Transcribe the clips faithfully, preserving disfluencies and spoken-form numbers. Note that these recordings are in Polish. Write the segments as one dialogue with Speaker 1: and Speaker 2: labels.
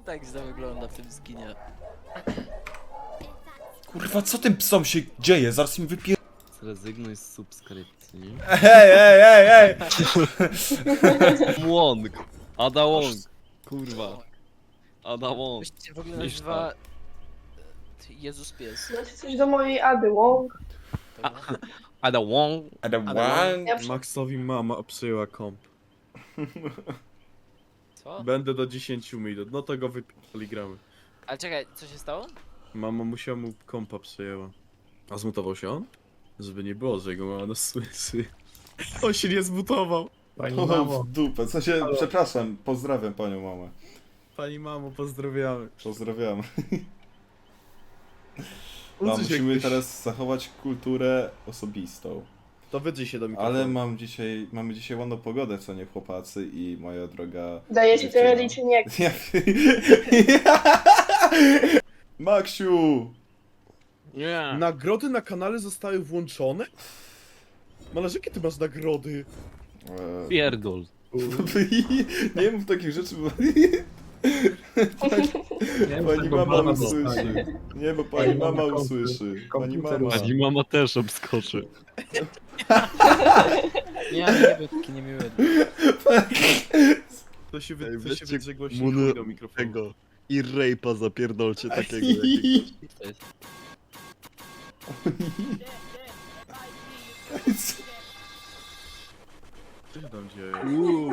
Speaker 1: tak źle wygląda w tym skinie.
Speaker 2: Kurwa, co tym psom się dzieje? Zaraz im wypier...
Speaker 3: Zrezygnuj z subskrypcji.
Speaker 2: Ej, ej, ej, ej!
Speaker 3: Łąk! Ada Łąk! Kurwa. Ada Łąk.
Speaker 1: Właściwie w ogóle
Speaker 3: Niż
Speaker 1: nazywa... Jezus pies.
Speaker 4: Znaczy coś do mojej Ady Wong.
Speaker 1: Dobra.
Speaker 3: Ada Łąk.
Speaker 2: Adam
Speaker 1: Ale-
Speaker 2: Wang.
Speaker 4: Ja przy...
Speaker 5: Maxowi mama przyjęła komp.
Speaker 1: Co?
Speaker 5: Będę do dziesięciu minut, no to go wypili gramy.
Speaker 1: Ale czekaj, co się stało?
Speaker 5: Mama musiała mu kompa przyjęła. A zmutował się on? Żeby nie było, że jego mama nas słyszy. On się nie zmutował. Pani
Speaker 2: O,
Speaker 5: mamo,
Speaker 2: w dupę, co się... Przepraszam, pozdrawiam panią mamę.
Speaker 5: pani mamo, pozdrawiamy.
Speaker 2: Pozdrawiam.
Speaker 5: Uczy
Speaker 2: No,
Speaker 5: się
Speaker 2: musimy
Speaker 5: ktoś.
Speaker 2: teraz zachować kulturę osobistą.
Speaker 5: To wydrzyj się do mikrofonu.
Speaker 2: Ale mam dzisiaj, mamy dzisiaj ładną pogodę, co nie chłopacy i moja droga...
Speaker 4: Daje się
Speaker 2: dziewczyna.
Speaker 4: teorii czy nie?
Speaker 2: Ja... Maksiu!
Speaker 3: Nie.
Speaker 5: Nagrody na kanale zostały włączone? Malarz, jakie ty masz nagrody?
Speaker 2: Eee,
Speaker 3: Pierdol.
Speaker 2: Nie mów takich rzeczy, bo... Pani mama usłyszy. Nie, bo pani mama usłyszy. Pani mama.
Speaker 3: Pani mama też obskoczy.
Speaker 1: Nie, nie był taki niemiły.
Speaker 5: To się, wy...
Speaker 3: Ej,
Speaker 5: to się
Speaker 3: weźcie
Speaker 5: wydrzegło się
Speaker 3: muny-
Speaker 5: do mikrofonu.
Speaker 3: Tego. I rape'a zapierdolcie takiego.
Speaker 1: To jest...
Speaker 5: Co się tam dzieje?
Speaker 3: Uuu.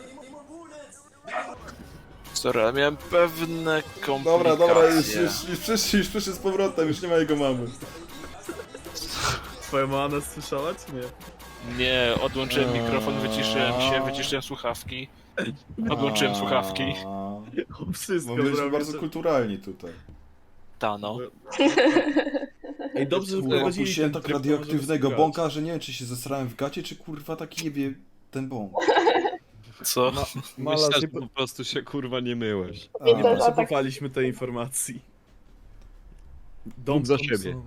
Speaker 6: Sorry, ale miałem pewne komplikacje.
Speaker 2: Dobra, dobra, już, już, już przyszli, już przyszli z powrotem, już nie ma jego mamy.
Speaker 5: Twoja mama nas słyszała, czy nie?
Speaker 6: Nie, odłączyłem mikrofon, wyciszyłem się, wyciszyłem słuchawki. Odłączyłem słuchawki.
Speaker 5: On wszystko
Speaker 2: Bo byliśmy
Speaker 5: zrobił.
Speaker 2: bardzo kulturalni tutaj.
Speaker 6: Ta no.
Speaker 5: Ej, dobrze, że
Speaker 2: Kurwa,
Speaker 5: wprowadzili
Speaker 2: puściłem
Speaker 5: ten
Speaker 2: tak
Speaker 5: tryb, to
Speaker 2: radioaktywnego
Speaker 5: możemy
Speaker 2: bąka, że nie wiem, czy się zesrałem w gacie, czy kurwa taki nie wie ten bąk.
Speaker 6: Co?
Speaker 5: Ma,
Speaker 3: Myślę,
Speaker 5: malarz,
Speaker 3: że
Speaker 5: nie,
Speaker 3: po prostu się kurwa nie myłeś.
Speaker 4: I
Speaker 5: nie
Speaker 4: to atak.
Speaker 5: potrzebowaliśmy tej informacji. Dom
Speaker 3: Mów za
Speaker 5: Thompsona.
Speaker 3: siebie.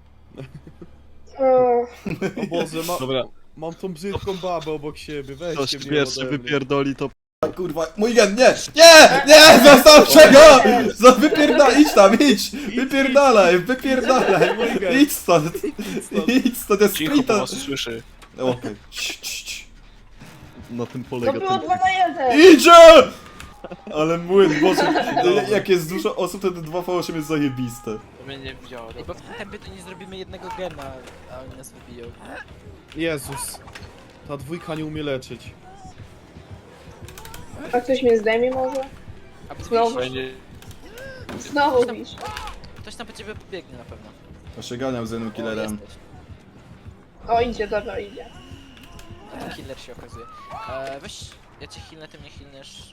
Speaker 4: O,
Speaker 5: O Boże, ma,
Speaker 3: Dobra,
Speaker 5: mam tą brzydką babę obok siebie,
Speaker 3: ktoś
Speaker 5: weźcie mnie
Speaker 3: pierwszy
Speaker 5: ode mnie.
Speaker 3: wypierdoli to...
Speaker 2: A kurwa, mój gen, nie! Nie! Nie! Zostaw go! Zo- Wypierdalaj, idź tam, idź! Wypierdalaj, wypierdalaj! Idź stąd! Idź stąd, jest
Speaker 6: Cicho, bo
Speaker 2: sprita!
Speaker 6: was słyszy.
Speaker 2: Okej. Cii, cii, cii.
Speaker 3: Na tym
Speaker 4: to
Speaker 3: polega
Speaker 4: było
Speaker 3: ten...
Speaker 4: dwa na jeden!
Speaker 2: Idzie! Ale młyn, Boże, jak jest dużo osób, to te dwa V osiem jest zajebiste.
Speaker 6: To mnie nie widziało.
Speaker 1: Ej, bo w tempie to nie zrobimy jednego gena, a oni nas wybiją.
Speaker 5: Jezus. Ta dwójka nie umie leczyć.
Speaker 4: A ktoś mnie zdejmie może?
Speaker 1: A
Speaker 4: Znowu.
Speaker 6: Fajnie.
Speaker 4: Znowu wisz.
Speaker 1: Ktoś tam po ciebie pobiegnie na pewno.
Speaker 2: Ja się ganiam z jednym
Speaker 1: O,
Speaker 2: killerem.
Speaker 1: jesteś.
Speaker 4: O, idzie, dobra, idzie.
Speaker 1: To killer się okazuje. E, weź, ja cię healnę, ty mnie healniesz.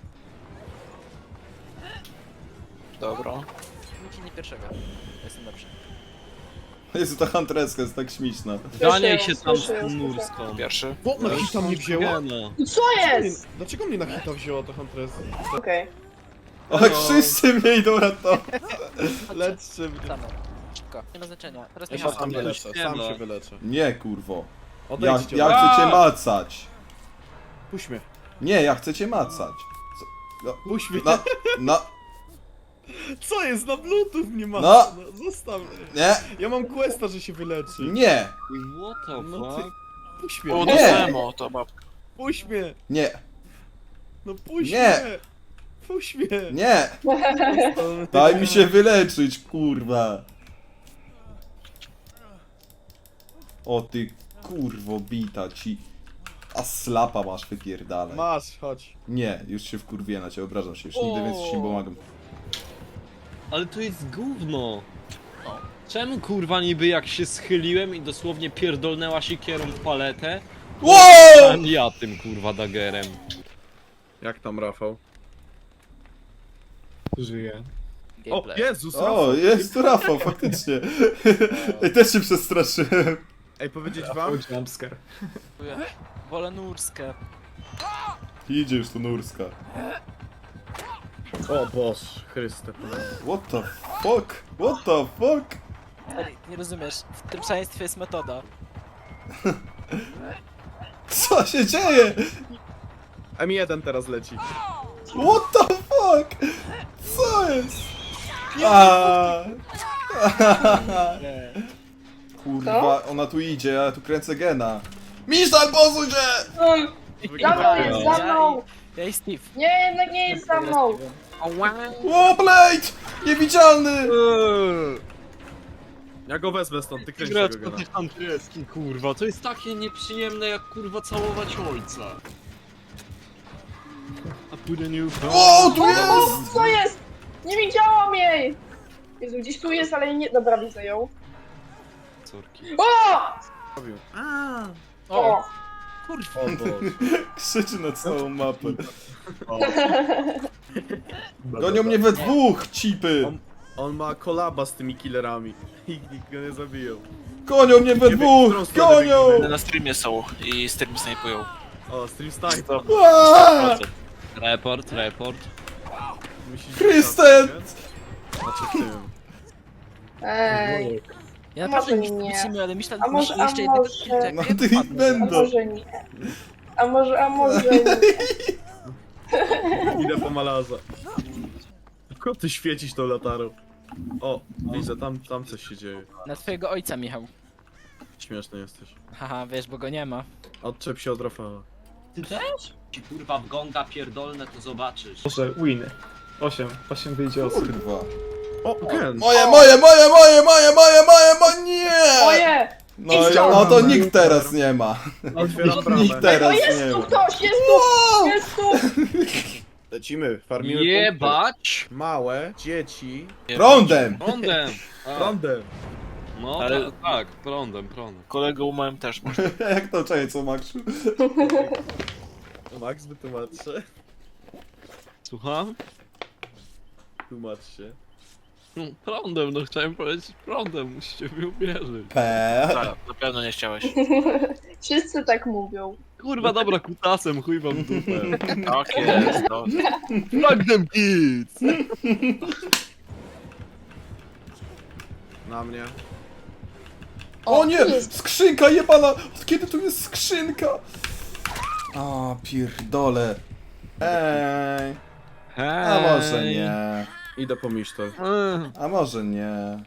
Speaker 6: Dobra.
Speaker 1: Healnij pierwszego. Ja jestem lepszy.
Speaker 2: Jezu, ta huntereska jest tak śmieszna.
Speaker 3: Ganiaj
Speaker 4: Słyszę
Speaker 3: się
Speaker 4: ją,
Speaker 3: tam
Speaker 4: słyszę ją,
Speaker 3: z
Speaker 4: słyszę.
Speaker 3: nurską.
Speaker 6: Pierwszy.
Speaker 5: O, na hita mnie wzięła?
Speaker 3: Gena.
Speaker 4: Co jest?
Speaker 5: Dlaczego mnie na hita wzięła ta Huntress?
Speaker 4: Okej.
Speaker 2: O, wszyscy mnie idą ratować.
Speaker 5: Leczcie mnie.
Speaker 1: Tam. Szybko. Nie ma znaczenia. Teraz
Speaker 5: Ja
Speaker 1: nie
Speaker 5: się
Speaker 1: ma.
Speaker 5: sam
Speaker 3: Nie,
Speaker 5: wyleczę,
Speaker 3: nie
Speaker 5: sam
Speaker 3: ma.
Speaker 5: się wyleczę.
Speaker 2: Nie, kurwo. Ja,
Speaker 5: Odejdźcie,
Speaker 2: ja
Speaker 5: ode-
Speaker 2: chcę cię macać.
Speaker 5: Puść mnie.
Speaker 2: Nie, ja chcę cię macać. Co?
Speaker 5: Puść mnie.
Speaker 2: No, no,
Speaker 5: Co jest? Na bluetooth nie ma.
Speaker 2: No.
Speaker 5: Zostaw mnie.
Speaker 2: nie,
Speaker 5: Ja mam questa, że się wyleczy.
Speaker 2: nie,
Speaker 3: What the
Speaker 5: No ty-
Speaker 3: fuck?
Speaker 5: Puść
Speaker 6: O,
Speaker 5: mnie.
Speaker 6: dostałem o, to babka.
Speaker 5: Puść mnie.
Speaker 2: nie,
Speaker 5: No puść
Speaker 2: Nie.
Speaker 5: mnie. Puść mnie.
Speaker 2: nie. Daj mi się wyleczyć, kurwa. O ty kurwo bita ci. A slapa masz, wypierdalaj.
Speaker 5: Masz, chodź.
Speaker 2: Nie, już się wkurwię na ciebie, obrażam się, już nigdy więcej ci nie pomagam.
Speaker 3: Ale to jest gówno. Czemu kurwa niby jak się schyliłem i dosłownie pierdolnęła siekierą w paletę?
Speaker 2: Wow!
Speaker 3: A nie ja tym kurwa dagerem.
Speaker 5: Jak tam, Rafał? Żyje. O,
Speaker 1: Gameplay.
Speaker 5: Jezus,
Speaker 2: O,
Speaker 5: Rafał.
Speaker 2: jest tu Rafał, faktycznie. Ej, też się przestraszyłem.
Speaker 5: Ej, powiedzieć wam?
Speaker 1: Wolę nurskę.
Speaker 2: Idzie już tu Nurska.
Speaker 5: O Boż, Chryste.
Speaker 2: What the fuck? What the fuck?
Speaker 1: Ale nie rozumiesz, w tym szaleństwie jest metoda.
Speaker 2: Co się dzieje?
Speaker 5: M jeden teraz leci.
Speaker 2: What the fuck? Co jest? A. Kurwa, ona tu idzie, ja tu kręcę gena. Misztal, posuń się!
Speaker 4: Mm, Za mną jest, za mną!
Speaker 1: Ja i Steve.
Speaker 4: Nie, jednak nie jest za mną!
Speaker 2: Warblade! Niewidzialny!
Speaker 5: Ja go wezmę stąd, ty kręć
Speaker 3: Grać
Speaker 5: tego
Speaker 3: po
Speaker 5: gena.
Speaker 3: tych antreski, kurwa, to jest takie nieprzyjemne jak kurwa całować ojca. A pójdę nie ufam.
Speaker 2: O, tu
Speaker 4: O,
Speaker 2: jest!
Speaker 4: co jest? Nie widziałam jej! Jezu, gdzieś tu jest, ale jej nie... Dobra, widzę ją.
Speaker 3: Córki.
Speaker 4: O!
Speaker 1: O,
Speaker 4: O!
Speaker 1: kurwa.
Speaker 5: O Boże.
Speaker 2: Krzyczy na całą mapę. Gonią mnie we dwóch, cipy!
Speaker 5: On, on ma kolaba z tymi killerami. I nikt go nie zabiją.
Speaker 2: Gonią mnie we
Speaker 5: Nie wiem,
Speaker 2: dwóch!
Speaker 5: którą stronę
Speaker 2: Gonią!
Speaker 5: biegniemy.
Speaker 6: Na streamie są i stream snajpują.
Speaker 5: O, stream snipe.
Speaker 2: Aaaa!
Speaker 3: Report, report.
Speaker 5: Musisz...
Speaker 2: Krystent!
Speaker 5: Znaczy w tym.
Speaker 4: Ej,
Speaker 1: Ja
Speaker 4: Może
Speaker 1: naprawdę nic
Speaker 4: nie.
Speaker 1: nie wytrzymuję, ale myślę,
Speaker 4: A może-
Speaker 1: że jeszcze
Speaker 4: a
Speaker 1: jednego
Speaker 4: może-
Speaker 1: kilka, jak
Speaker 2: No
Speaker 1: ja
Speaker 2: ty
Speaker 1: wpadnę.
Speaker 4: a
Speaker 2: będą!
Speaker 4: może nie. A może, a może nie.
Speaker 5: Idę po malarza. Tylko ty świecisz tą latarą. O, widzę, tam, tam coś się dzieje.
Speaker 1: Na twojego ojca, Michał.
Speaker 5: Śmieszny jesteś.
Speaker 1: Haha, wiesz, bo go nie ma.
Speaker 5: Odczep się od Rafała.
Speaker 3: Ty też? Ci kurwa w gonga pierdolne to zobaczysz.
Speaker 7: Może win. osiem. osiem wyjdzie osób.
Speaker 2: Kurwa.
Speaker 5: O, gen!
Speaker 2: Moje, moje, moje, moje, moje, moje, moje, moje, nie!
Speaker 4: Moje!
Speaker 2: No, i- no to nikt teraz nie ma.
Speaker 5: Otwieram bramę.
Speaker 2: Nikt
Speaker 4: O,
Speaker 2: teraz
Speaker 4: jest
Speaker 2: nie
Speaker 4: tu
Speaker 2: ma.
Speaker 4: ktoś! Jest tu! Jest tu!
Speaker 5: Lecimy, farmimy punkty.
Speaker 3: Jebać!
Speaker 5: Małe dzieci
Speaker 2: Prądem!
Speaker 3: Prądem! A,
Speaker 5: prądem.
Speaker 3: no
Speaker 6: Ale-
Speaker 3: tak, tak, prądem, prądem.
Speaker 6: Kolegą małym też można.
Speaker 2: Jak to czekaj, co Maksiu?
Speaker 5: Max, wytłumacz się.
Speaker 3: Słucham?
Speaker 5: Tłumacz się.
Speaker 3: No, prądem, no chciałem powiedzieć prądem, musicie mi uwierzyć.
Speaker 2: P.
Speaker 6: Tak, na pewno nie chciałeś.
Speaker 4: Wszyscy tak mówią.
Speaker 3: Kurwa, dobra, kutasem, chuj wam w dupę.
Speaker 6: Tak jest, no.
Speaker 3: Magnum Kids!
Speaker 5: Na mnie.
Speaker 2: O nie!
Speaker 4: tu jest.
Speaker 2: Skrzynka jebana! Od kiedy tu jest skrzynka? A pierdole. Ej. A może nie.
Speaker 5: Idę po misztor.
Speaker 2: A może nie.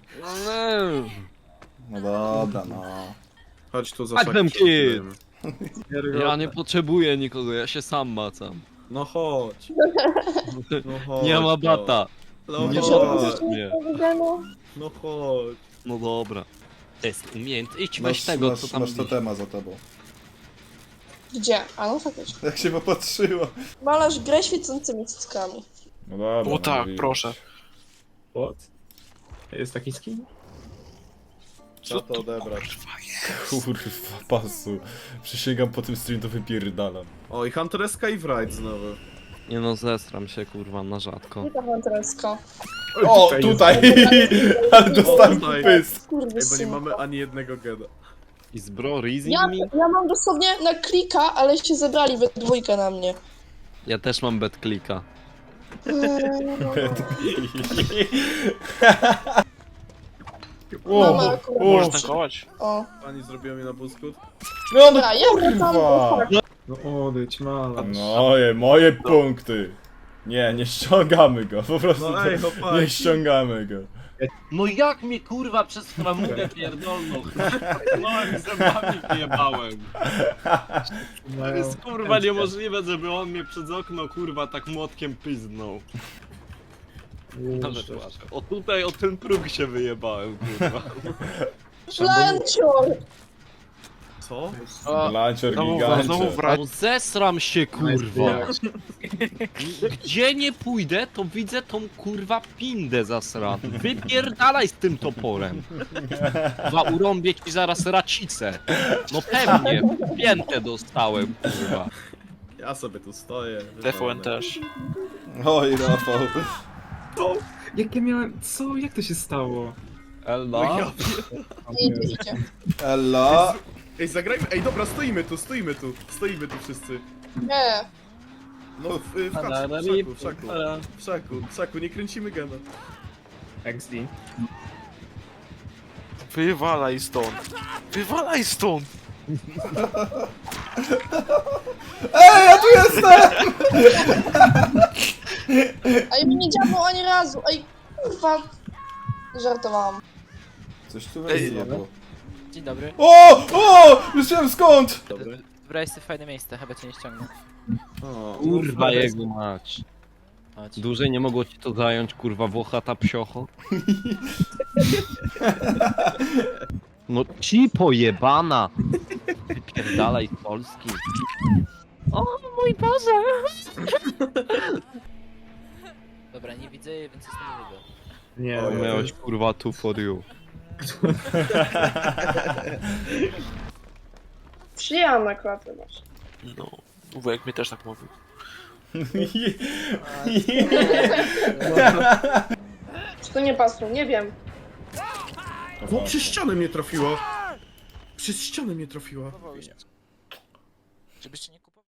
Speaker 2: No dobra, no.
Speaker 5: Chodź tu za
Speaker 3: Magnum
Speaker 5: szaki.
Speaker 3: Kid. Ja nie potrzebuję nikogo, ja się sam macam.
Speaker 5: No chodź. No chodź.
Speaker 3: Nie ma bata.
Speaker 5: No
Speaker 3: Nie
Speaker 5: chodź.
Speaker 3: potrzebujesz mnie.
Speaker 5: No chodź.
Speaker 3: No dobra. Test umiejęt. Idź
Speaker 2: Masz,
Speaker 3: weź tego,
Speaker 2: masz,
Speaker 3: co tam
Speaker 2: masz
Speaker 3: widzisz.
Speaker 2: totema za tobą.
Speaker 8: Gdzie? A no faktycznie.
Speaker 2: Jak się popatrzyła.
Speaker 8: Malarz grę świecącymi cyckami.
Speaker 2: No dobra.
Speaker 6: O tak, proszę.
Speaker 7: What? Jest taki skin?
Speaker 5: Trzeba to odebrać.
Speaker 2: Kurwa, pasu. Przysięgam, po tym stream to wypierdalam.
Speaker 5: O, i Huntereska i Wright znowu.
Speaker 3: Nie no, zestram się kurwa na rzadko.
Speaker 8: Nie tam antresko.
Speaker 2: O, tutaj! Ale dostałem
Speaker 5: Tutaj.
Speaker 2: pysk.
Speaker 5: Ej, bo nie
Speaker 8: Skurwysyn.
Speaker 5: mamy ani jednego gena.
Speaker 3: I z bro raising
Speaker 8: Ja,
Speaker 3: me?
Speaker 8: ja mam dosłownie na klika, ale się zebrali we dwójkę na mnie.
Speaker 3: Ja też mam bad clicka.
Speaker 8: Mama
Speaker 2: O,
Speaker 8: akurat.
Speaker 2: o,
Speaker 6: Możesz tankować?
Speaker 8: O.
Speaker 5: Pani zrobiła mi na buskut.
Speaker 2: no, no
Speaker 8: Dobra, ja wracam do
Speaker 2: kurwa!
Speaker 8: parku.
Speaker 7: No odejdź, malarz.
Speaker 2: Moje, moje punkty. Nie, nie ściągamy go, po prostu
Speaker 5: No ej,
Speaker 2: to-
Speaker 5: chłopaki.
Speaker 2: nie ściągamy go.
Speaker 3: No jak mnie kurwa przez framugę pierdolną? No i zębami wyjebałem. To jest kurwa niemożliwe, żeby on mnie przez okno kurwa tak młotkiem pyznął. Ale płaczę. O tutaj, o ten próg się wyjebałem kurwa.
Speaker 8: Plancior!
Speaker 5: Co?
Speaker 2: Blancior
Speaker 6: Znowu,
Speaker 2: gigancie.
Speaker 6: znowu wracam.
Speaker 3: No zesram się kurwa. Gdzie nie pójdę, to widzę tą kurwa pindę zasraną. Wypierdalaj z tym toporem. Chyba urąbię ci zaraz racicę. No pewnie, piętę dostałem kurwa.
Speaker 5: Ja sobie tu stoję.
Speaker 6: T V N też.
Speaker 2: Oj, Rafał.
Speaker 7: Jak ja miałem... Co? Jak to się stało?
Speaker 3: Ella?
Speaker 8: Idzie, idzie.
Speaker 2: Ella.
Speaker 5: Ej, zagrajmy. Ej, dobra, stoimy tu, stoimy tu. Stoimy tu wszyscy.
Speaker 8: Nie.
Speaker 5: No w, w, w, hacu, w szaku, w szaku. W szaku, w szaku, nie kręcimy gena.
Speaker 7: X D.
Speaker 6: Wywalaj stąd. Wywalaj stąd.
Speaker 2: Ej, ja tu jestem!
Speaker 8: Ej, mi nie działało ani razu. Ej, kurwa. Żartowałam.
Speaker 2: Coś tu wejdzie, bo...
Speaker 1: Dzień dobry.
Speaker 2: O! O! Już wiem skąd!
Speaker 5: Dobre.
Speaker 1: Wybrałeś sobie fajne miejsce, chyba cię nie ściągnę.
Speaker 5: O,
Speaker 9: Kurwa
Speaker 5: no,
Speaker 9: jego mać.
Speaker 1: Chodź.
Speaker 9: Dłużej nie mogło ci to zająć, kurwa, włochata psiocho. No ci pojebana! Wypierdalaj z Polski. O mój Boże!
Speaker 1: Dobra, nie widzę jej, więc jestem niby.
Speaker 5: Nie,
Speaker 2: O,
Speaker 5: no,
Speaker 9: Miałeś kurwa tu for you.
Speaker 4: Przyjęłam na klatę masz.
Speaker 6: No, wujek mi też tak mówił.
Speaker 4: Czy to nie pasło? Nie wiem.
Speaker 5: O, przez ścianę mnie trafiło! Przez ścianę mnie trafiła.
Speaker 1: Żebyście nie